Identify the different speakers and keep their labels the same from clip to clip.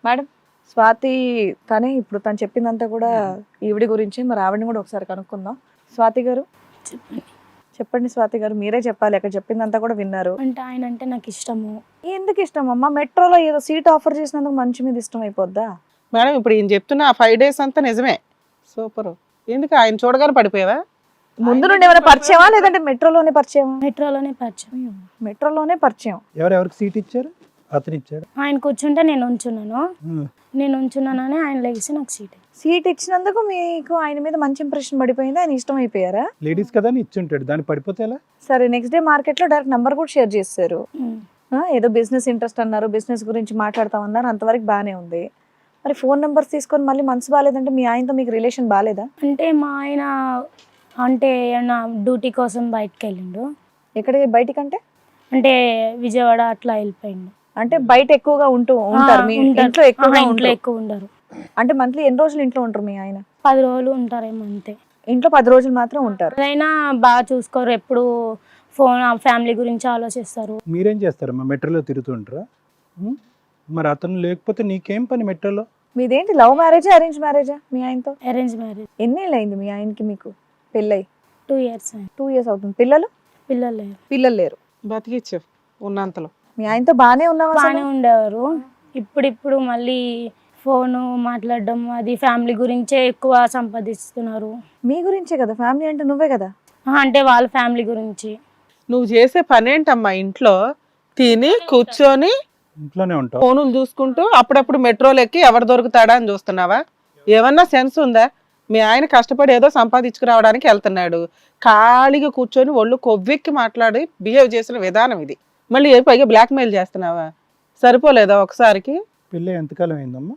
Speaker 1: Madam Swathi తనే ఇప్పుడు తను చెప్పిందంతా కూడా ఈవిడి గురించి, మరి ఆవిడని కూడా ఒకసారి కనుక్కుందాం. స్వాతి గారు
Speaker 2: చెప్పండి.
Speaker 1: చెప్పండి. స్వాతి గారు మీరే చెప్పాలి, అక్కడ చెప్పిందంతా కూడా విన్నారు.
Speaker 2: అంటే ఆయన అంటే నాకు ఇష్టము.
Speaker 1: ఎందుకు ఇష్టం అమ్మా? మెట్రోలో ఏదో సీట్ ఆఫర్ చేసినందుకు మంచి మీద ఇష్టం అయిపోద్దా?
Speaker 3: మేడం ఇప్పుడు ఈయన చెప్తున్న ఆ 5 days అంతా నిజమే. సూపర్. ఎందుకు ఆయన చూడగానే పడిపోయావా?
Speaker 1: ముందు నుండి ఏమైనా పరిచయమా లేదంటే మెట్రోలోనే పరిచయమా?
Speaker 2: మెట్రోలోనే పరిచయం.
Speaker 1: మెట్రోలోనే పరిచయం.
Speaker 4: ఎవరెవరికి సీట్ ఇచ్చారు? అతను ఇచ్చాడు.
Speaker 2: ఆయన కూర్చుంటే నేను ఉంచున్నానని ఆయన లేచి నాకు
Speaker 1: సీట్ ఇచ్చినందుకు మీకు ఆయన మీద మంచి ఇంప్రెషన్ పడిపోయింది, ఆయన ఇష్టం అయిపోయారా?
Speaker 4: లేడీస్ కదా అని ఇచ్చుంటాడు, దాన్ని పడిపోతే ఎలా?
Speaker 1: సరే, నెక్స్ట్ డే మార్కెట్ లో డైరెక్ట్ నంబర్ కూడా షేర్ చేశారు. ఏదో బిజినెస్ ఇంట్రెస్ట్ అన్నారు, బిజినెస్ గురించి మాట్లాడతామన్నారు, అంతవరకు బానే ఉంది. మరి ఫోన్ నెంబర్స్ తీసుకొని మళ్ళీ మనసు బాగాలేదంటే మీ ఆయనతో మీకు రిలేషన్ బాగాలేదా?
Speaker 2: అంటే మా ఆయన అంటే నా డ్యూటీ కోసం బయటకు వెళ్ళిండు.
Speaker 1: ఎక్కడికి బయటికంటే?
Speaker 2: అంటే విజయవాడ అట్లా వెళ్ళిపోయిండు.
Speaker 1: అంటే బయట ఎక్కువగా ఉంటారు, మీ ఇంట్లో
Speaker 2: ఎక్కువ ఉండరు.
Speaker 1: అంటే మంత్లీ ఎన్ని రోజులు ఇంట్లో ఉంటారు మీ ఆయన?
Speaker 2: 10 రోజులు ఉంటారేమో అంతే.
Speaker 1: ఇంట్లో 10 రోజులు మాత్రం ఉంటారు.
Speaker 2: అదైనా బాగా చూసుకోరు, ఎప్పుడు ఫోన్ ఫ్యామిలీ గురించి ఆలోచిస్తారు.
Speaker 4: మీరేం చేస్తారమ్మా? మెట్రోలో తిరుగుతుంటారా? మరి అతను లేకపోతే నీకేం పని మెట్రోలో?
Speaker 1: మీదేంటి లవ్ మ్యారేజా అరేంజ్ మ్యారేజా మీ ఆయనతో?
Speaker 2: Arrange marriage.
Speaker 1: ఎన్నేళ్ళు అయింది మీ ఆయనకి మీకు పెళ్ళై?
Speaker 2: 2 years.
Speaker 1: 2 years అవుతుంది. పిల్లలు? పిల్లలు లేరు.
Speaker 3: బతికిచ్చావు ఉన్నంతలో.
Speaker 1: మీ ఆయనతో బానే ఉన్నావా?
Speaker 2: బాగానే ఉండేవారు. ఇప్పుడు మళ్ళీ ఫోను మాట్లాడడం, అది ఫ్యామిలీ గురించే ఎక్కువ సంపాదిస్తున్నారు.
Speaker 1: మీ గురించే కదా, ఫ్యామిలీ అంటే నువ్వే కదా.
Speaker 2: అంటే వాళ్ళ ఫ్యామిలీ గురించి.
Speaker 3: నువ్వు చేసే పని ఏంటమ్మా? ఇంట్లో తిని కూర్చొని
Speaker 4: ఇంట్లోనే ఉంటావు,
Speaker 3: ఫోనులు చూసుకుంటూ అప్పుడప్పుడు మెట్రోలు ఎక్కి ఎవరు దొరుకుతాడా అని చూస్తున్నావా? ఏమన్నా సెన్స్ ఉందా? మీ ఆయన కష్టపడి ఏదో సంపాదించుకురావడానికి వెళ్తున్నాడు, ఖాళీగా కూర్చొని ఒళ్ళు కొవ్వెక్కి మాట్లాడి బిహేవ్ చేసిన విధానం ఇది. మళ్ళీ పైగా బ్లాక్మెయిల్ చేస్తున్నావా? సరిపోలేదా ఒకసారికి?
Speaker 4: పెళ్ళి ఎంతకాలం అయిందమ్మా?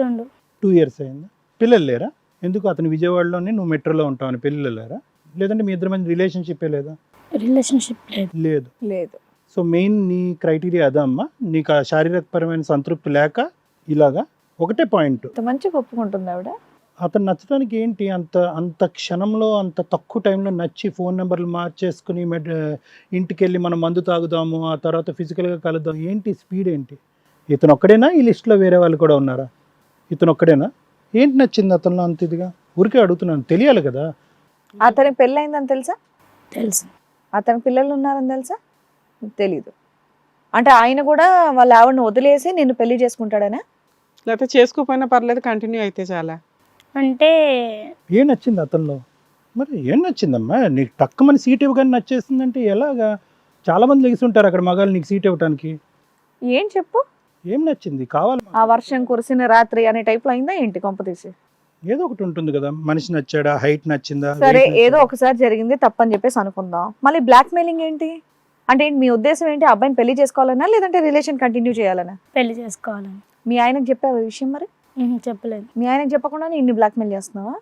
Speaker 2: 2
Speaker 4: years అయిందా? పిల్లలు లేరా? ఎందుకు అతను విజయవాడలోనే నువ్వు మెట్రోలో ఉంటావని పిల్లలు లేరా? లేదంటే మీ ఇద్దరి మధ్య రిలేషన్షిప్
Speaker 2: రిలేషన్షిప్
Speaker 4: లేదు?
Speaker 1: లేదు.
Speaker 4: సో మెయిన్ నీ క్రైటీరియా అదా అమ్మా? నీకు ఆ శారీరకపరమైన సంతృప్తి లేక ఇలాగా ఒకటే పాయింట్.
Speaker 1: మంచిగా ఒప్పుకుంటుంది ఆవిడ.
Speaker 4: అతను నచ్చడానికి ఏంటి? అంత క్షణంలో అంత తక్కువ టైంలో నచ్చి ఫోన్ నెంబర్లు మార్చేసుకుని ఇంటికి వెళ్ళి మనం మందు తాగుదాము, ఆ తర్వాత ఫిజికల్గా కలుద్దాం, ఏంటి స్పీడ్ ఏంటి? ఇతను ఒక్కడేనా? ఈ లిస్ట్లో వేరే వాళ్ళు కూడా ఉన్నారా? ఇతను ఒక్కడేనా? ఏంటి నచ్చింది అతనిలో అంత ఇదిగా? ఊరికే అడుగుతున్నాను, తెలియాలి కదా.
Speaker 1: అతనికి పెళ్ళయిందని తెలుసా?
Speaker 2: తెలుసు.
Speaker 1: అతనికి పిల్లలు ఉన్నారని తెలుసా? తెలీదు. అంటే ఆయన కూడా వాళ్ళ ఆవిడని వదిలేసి నిన్ను పెళ్లి చేసుకుంటాడనా?
Speaker 3: లేకపోతే చేసుకోపోయినా పర్లేదు, కంటిన్యూ అయితే చాలా.
Speaker 2: అంటే
Speaker 4: ఏం నచ్చింది అతనిలో? మరి ఏం నచ్చిందమ్మా? నీకు టక్కుమని సీట్ ఇవ్వగానే నచ్చేస్తుందంటే ఎలాగా? చాలా మంది లెగిస్తుంటారు అక్కడ మగాళ్ళు నీకు సీట్ ఇవ్వడానికి.
Speaker 1: ఏం చెప్పు,
Speaker 4: ఏం నచ్చింది? కావాలి.
Speaker 1: ఆ వర్షం కురిసిన రాత్రి అనే టైప్ లో అయిందా ఏంటి కొంపతీసి?
Speaker 4: ఏదో ఒకటి ఉంటుంది కదా, మనిషి నచ్చాడా, హైట్ నచ్చిందా?
Speaker 1: సరే, ఏదో ఒకసారి జరిగింది తప్పని చెప్పేసి అనుకుందాం. మళ్ళీ బ్లాక్ మెయిలింగ్ ఏంటి? అంటే మీ ఉద్దేశం ఏంటి? అబ్బాయిని పెళ్లి చేసుకోవాలనా లేదంటే రిలేషన్ కంటిన్యూ చేయాలనా?
Speaker 2: పెళ్లి చేసుకోవాలని.
Speaker 1: మీ ఆయనకు చెప్పావు ఈ విషయం? మరి
Speaker 2: చెప్పలేదు.
Speaker 1: మీ ఆయనకు చెప్పకుండా ఇన్ని బ్లాక్ మెయిల్ చేస్తున్నావా?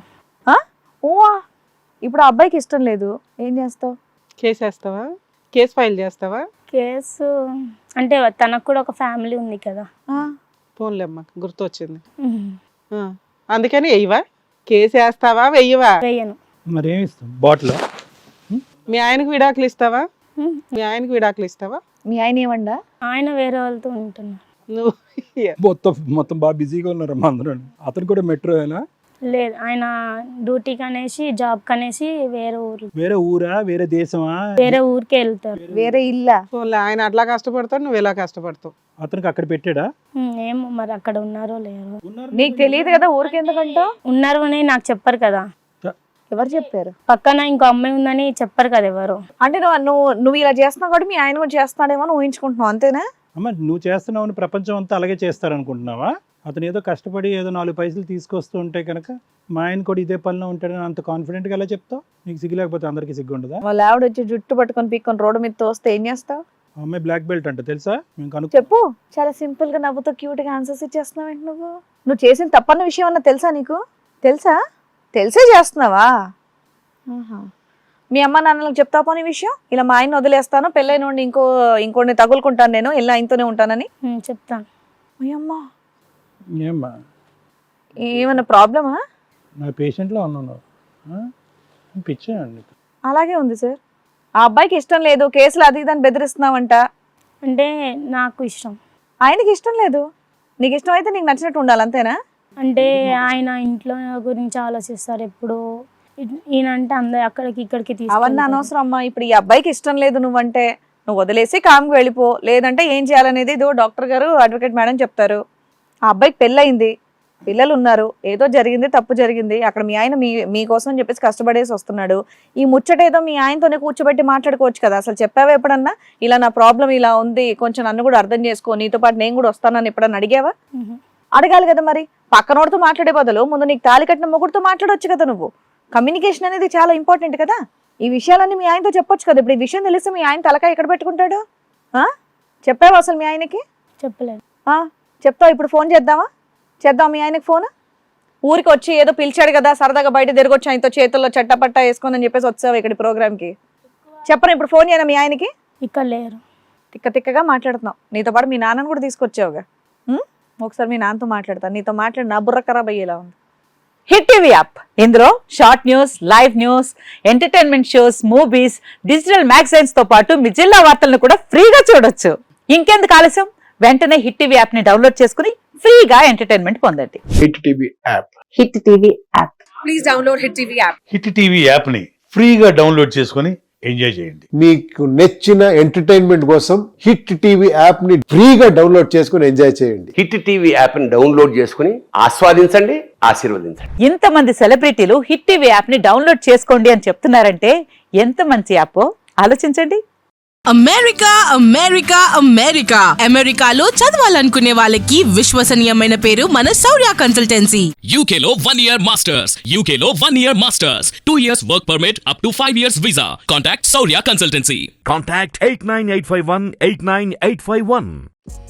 Speaker 1: ఇప్పుడు ఆ అబ్బాయికి ఇష్టం లేదు, ఏం చేస్తావు?
Speaker 3: కేసేస్తావా? కేసు ఫైల్ చేస్తావా?
Speaker 2: కేసు అంటే తనకు కూడా ఒక ఫ్యామిలీ ఉంది కదా.
Speaker 3: పోన్లేమ్మా, గుర్తొచ్చింది. అందుకని వెయ్యవా? కేసు వేస్తావా వెయ్యవా?
Speaker 2: వేయను.
Speaker 4: మరి ఏమి ఇస్తాం? బాటిల్?
Speaker 3: మీ ఆయనకు విడాకులు ఇస్తావా? మీ ఆయనకు విడాకులు ఇస్తావా?
Speaker 1: మీ ఆయన ఏమండా?
Speaker 2: ఆయన వేరే వాళ్ళతో ఉంటున్నారు.
Speaker 3: నువ్వు
Speaker 4: మొత్తం బాగా బిజీగా ఉన్నారమ్మా అందరూ. అతను కూడా మెట్రోనా?
Speaker 2: లేదు, ఆయన డ్యూటీకి అనేసి జాబ్ కనేసి
Speaker 4: వేరే ఊరా, వేరే దేశమా?
Speaker 2: వేరే ఊరికే వెళ్తారు.
Speaker 1: వేరే ఇల్లా?
Speaker 3: ఆయన అట్లా కష్టపడతాడు, నువ్వు ఇలా కష్టపడతావు.
Speaker 4: అతనికి అక్కడ పెట్టాడా?
Speaker 2: ఏమో మరి అక్కడ ఉన్నారో లేరో.
Speaker 1: నీకు తెలియదు కదా, ఊరికి ఎందుకంటావు?
Speaker 2: ఉన్నారు అని నాకు చెప్పరు కదా.
Speaker 1: ఎవరు చెప్పారు?
Speaker 2: పక్కన ఇంకో అమ్మాయి ఉందని చెప్పరు కదా ఎవరు.
Speaker 1: అంటే నువ్వు ఇలా చేస్తున్నావు కాబట్టి మీ ఆయన కూడా చేస్తున్నాడేమో అని ఊహించుకుంటున్నావు, అంతేనా?
Speaker 4: అమ్మ, నువ్వు చేస్తున్నావు ప్రపంచం అంతా అలాగే చేస్తారనుకుంటున్నావా? అతను ఏదో కష్టపడి ఏదో 4 పైసలు తీసుకొస్తూ ఉంటే కనుక మా ఆయన కూడా ఇదే పనిలో ఉంటాడని అంత కాన్ఫిడెంట్గా ఎలా చెప్తావు? నీకు సిగ్గు లేకపోతే అందరికీ సిగ్గు ఉండదా?
Speaker 1: వాళ్ళ ఆవిడ వచ్చి జుట్టు పట్టుకొని పీక్కొని రోడ్డు మీద తోస్తే ఏం చేస్తావు?
Speaker 4: అమ్మాయి బ్లాక్ బెల్ట్ అంట, తెలుసా?
Speaker 1: చెప్పు. చాలా సింపుల్ గా నవ్వుతో క్యూట్ గా ఆన్సర్స్ ఇచ్చేస్తున్నావు ఏంటి నువ్వు చేసిన తప్పన్న విషయం అన్న తెలుసా నీకు? తెలిసే చేస్తున్నావా? మీ అమ్మ నాన్నలకు చెప్తా పోనీ విషయం, ఇలా మా ఆయన వదిలేస్తాను, పెళ్ళైన ఇంకోని తగులుకుంటాను, నేను ఇలా ఆయనతోనే ఉంటానని
Speaker 2: చెప్తాను.
Speaker 1: అమ్మా,
Speaker 4: ఏమ్మా
Speaker 1: ఏమన్నా ప్రాబ్లమా?
Speaker 4: నా పేషెంట్లో ఉన్నాను, పిచ్చానండి.
Speaker 1: అలాగే ఉంది సార్. ఆ అబ్బాయికి ఇష్టం లేదు, కేసులు అది ఇదని బెదిరిస్తున్నావంట.
Speaker 2: అంటే నాకు ఇష్టం,
Speaker 1: ఆయనకి ఇష్టం లేదు. నీకు ఇష్టమైతే నీకు నచ్చినట్టు ఉండాలి అంతేనా?
Speaker 2: అంటే ఆయన ఇంట్లో గురించి ఆలోచిస్తారు ఎప్పుడు, ఈయన అంటే అందరు అక్కడికి ఇక్కడికి
Speaker 1: అవన్నీ
Speaker 2: తీసుకెళ్తారు.
Speaker 1: అనవసరం అమ్మా. ఇప్పుడు ఈ అబ్బాయికి ఇష్టం లేదు నువ్వంటే, నువ్వు వదిలేసి కామ్కి వెళ్ళిపో. లేదంటే ఏం చేయాలనేది ఇదో డాక్టర్ గారు, అడ్వకేట్ మేడం చెప్తారు. ఆ అబ్బాయికి పెళ్ళయింది, పిల్లలు ఉన్నారు, ఏదో జరిగింది, తప్పు జరిగింది. అక్కడ మీ ఆయన మీకోసం అని చెప్పేసి కష్టపడేసి వస్తున్నాడు. ఈ ముచ్చట ఏదో మీ ఆయనతోనే కూర్చోబెట్టి మాట్లాడుకోవచ్చు కదా. అసలు చెప్పావా ఎప్పుడన్నా ఇలా నా ప్రాబ్లం ఇలా ఉంది, కొంచెం నన్ను కూడా అర్థం చేసుకో, నీతో పాటు నేను కూడా వస్తానని ఎప్పుడన్నా అడిగావా? అడగాలి కదా. మరి పక్కనోడితో మాట్లాడే బదులు ముందు నీకు తాళి కట్టిన మొగుడితో మాట్లాడొచ్చు కదా. నువ్వు కమ్యూనికేషన్ అనేది చాలా ఇంపార్టెంట్ కదా. ఈ విషయాలన్నీ మీ ఆయనతో చెప్పొచ్చు కదా. ఇప్పుడు ఈ విషయం తెలిస్తే మీ ఆయన తలకాయ ఎక్కడ పెట్టుకుంటాడు? చెప్పావా అసలు మీ ఆయనకి?
Speaker 2: చెప్పలేదు.
Speaker 1: చెప్తావు. ఇప్పుడు ఫోన్ చేద్దాం మీ ఆయనకి ఫోన్. ఊరికి వచ్చి ఏదో పిలిచాడు కదా, సరదాగా బయట తిరగొచ్చు ఆయనతో, చేతుల్లో చట్టపట్టా వేసుకొని అని చెప్పేసి వచ్చావు ఇక్కడ ప్రోగ్రామ్కి. చెప్పను ఇప్పుడు ఫోన్ చేయనా మీ ఆయనకి?
Speaker 2: ఇక్కడ లేరు.
Speaker 1: తిక్కగా మాట్లాడుతున్నావు. నీతో పాటు మీ నాన్నని కూడా తీసుకొచ్చావుగా. ఒకసారి మీ నాన్నతో మాట్లాడతాను. నీతో మాట్లాడి నా బుర్ర ఖరాబ్ అయ్యేలా ఉంది.
Speaker 5: హిట్ టీవీ యాప్, ఇందులో short news, live news, entertainment shows, movies, digital magazines తో పాటు మీ జిల్లా వార్తలను కూడా ఫ్రీగా చూడొచ్చు. ఇంకెందుకు ఆలస్యం, వెంటనే హిట్ టీవీ యాప్ ని డౌన్లోడ్ చేసుకుని ఫ్రీగా ఎంటర్టైన్మెంట్ పొందండి.
Speaker 6: Hit TV app.
Speaker 5: Hit TV app.
Speaker 1: Please download hit TV app.
Speaker 7: Hit TV app ని ఫ్రీగా డౌన్లోడ్ చేసుకొని ఎంజాయ్ చేయండి.
Speaker 6: మీకు నచ్చిన ఎంటర్టైన్మెంట్ కోసం హిట్ టీవీ యాప్ ని ఫ్రీగా డౌన్లోడ్ చేసుకుని ఎంజాయ్ చేయండి.
Speaker 8: హిట్ టీవీ యాప్ ని డౌన్లోడ్ చేసుకుని ఆస్వాదించండి, ఆశీర్వదించండి.
Speaker 5: ఇంతమంది సెలబ్రిటీలు హిట్ టీవీ యాప్ ని డౌన్లోడ్ చేసుకోండి అని చెప్తున్నారంటే ఎంత మంచి యాప్ ఆలోచించండి.
Speaker 9: అమెరికాలో చదవాలనుకునే వాళ్ళకి విశ్వసనీయమైన పేరు మన శౌర్య కన్సల్టెన్సీ.
Speaker 10: UK లో 1 year masters, UK లో 1 year masters, 2 years work permit up to 5 years visa. Contact Saurya Consultancy.
Speaker 11: Contact 89851 89851.